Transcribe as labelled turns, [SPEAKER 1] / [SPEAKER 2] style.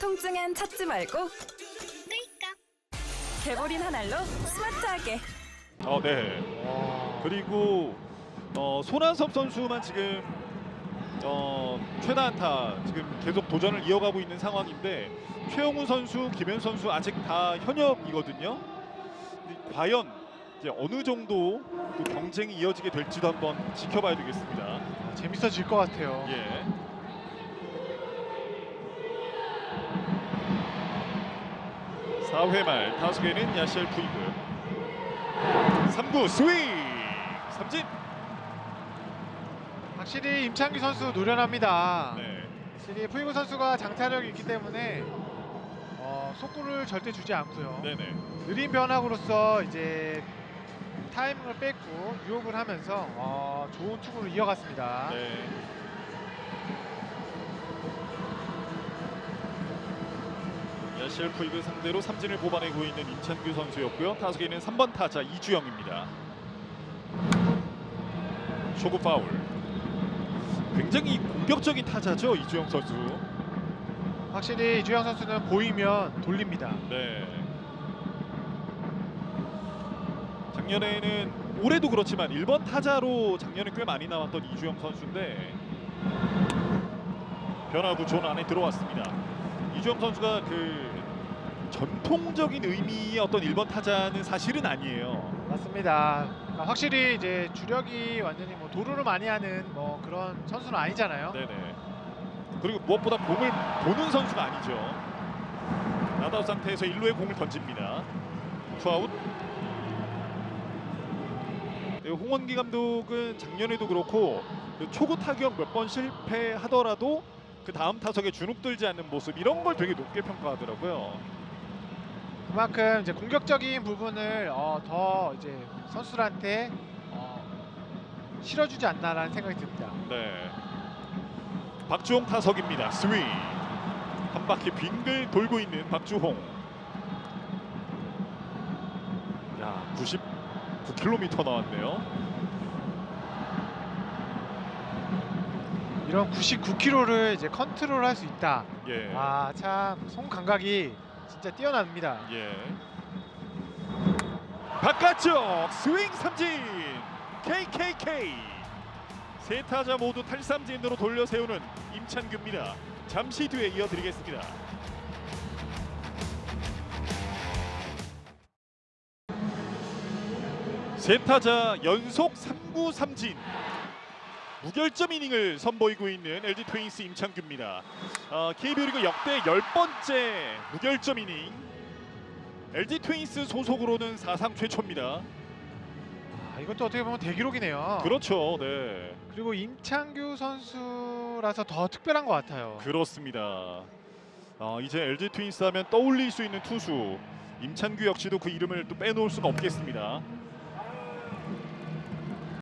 [SPEAKER 1] 통증엔 찾지 말고 개보린 한 알로 스마트하게.
[SPEAKER 2] 네. 그리고 손한섭 선수만 지금 최다 안타 지금 계속 도전을 이어가고 있는 상황인데 최영우 선수, 김현 선수 아직 다 현역이거든요. 근데 과연 이제 어느 정도 또 경쟁이 이어지게 될지도 한번 지켜봐야 되겠습니다.
[SPEAKER 3] 재밌어질 것 같아요.
[SPEAKER 2] 예. 사회 말 타석에는 야시엘 푸이그. 3구 스윙 삼진.
[SPEAKER 3] 확실히 임창규 선수 노련합니다.
[SPEAKER 2] 네.
[SPEAKER 3] 확실히 푸이그 선수가 장타력이 있기 때문에 속구를 절대 주지 않고요.
[SPEAKER 2] 네네.
[SPEAKER 3] 느린 변화구로서 이제 타이밍을 뺏고 유혹을 하면서 좋은 투구를 이어갔습니다.
[SPEAKER 2] 네. 야시엘 푸이그 상대로 삼진을 뽑아내고 있는 임찬규 선수였고요. 타석에 있는 3번 타자 이주영입니다. 초구 파울. 굉장히 공격적인 타자죠, 이주영 선수.
[SPEAKER 3] 확실히 이주영 선수는 보이면 돌립니다.
[SPEAKER 2] 네. 작년에는 올해도 그렇지만 1번 타자로 작년에 꽤 많이 나왔던 이주영 선수인데 변화구 존 안에 들어왔습니다. 이주영 선수가 그 전통적인 의미의 어떤 1번 타자는 사실은 아니에요.
[SPEAKER 3] 맞습니다. 확실히 이제 주력이 완전히 뭐 도루를 많이 하는 뭐 그런 선수는 아니잖아요.
[SPEAKER 2] 네네. 그리고 무엇보다 공을 보는 선수가 아니죠. 나다웃 상태에서 1루에 공을 던집니다. 투아웃. 홍원기 감독은 작년에도 그렇고 그 초구 타격 몇 번 실패하더라도 그 다음 타석에 주눅 들지 않는 모습 이런 걸 되게 높게 평가하더라고요.
[SPEAKER 3] 그만큼 이제 공격적인 부분을 더 이제 선수들한테 실어주지 않나라는 생각이 듭니다.
[SPEAKER 2] 네. 박주홍 타석입니다. 스윙. 한 바퀴 빙글 돌고 있는 박주홍. 야, 99km 나왔네요.
[SPEAKER 3] 이런 99km를 이제 컨트롤할 수 있다.
[SPEAKER 2] 예.
[SPEAKER 3] 참 손 감각이 진짜 뛰어납니다.
[SPEAKER 2] 예. 바깥쪽 스윙 삼진. KKK. 세 타자 모두 탈삼진으로 돌려 세우는 임찬규입니다. 잠시 뒤에 이어드리겠습니다. 세 타자 연속 3구 삼진. 무결점 이닝을 선보이고 있는 LG 트윈스 임창규입니다. KBO 리그 역대 10번째 무결점 이닝. LG 트윈스 소속으로는 사상 최초입니다.
[SPEAKER 3] 이것도 어떻게 보면 대기록이네요.
[SPEAKER 2] 그렇죠. 네.
[SPEAKER 3] 그리고 임창규 선수라서 더 특별한 것 같아요.
[SPEAKER 2] 그렇습니다. 이제 LG 트윈스 하면 떠올릴 수 있는 투수 임찬규 역시도 그 이름을 또 빼놓을 수가 없겠습니다.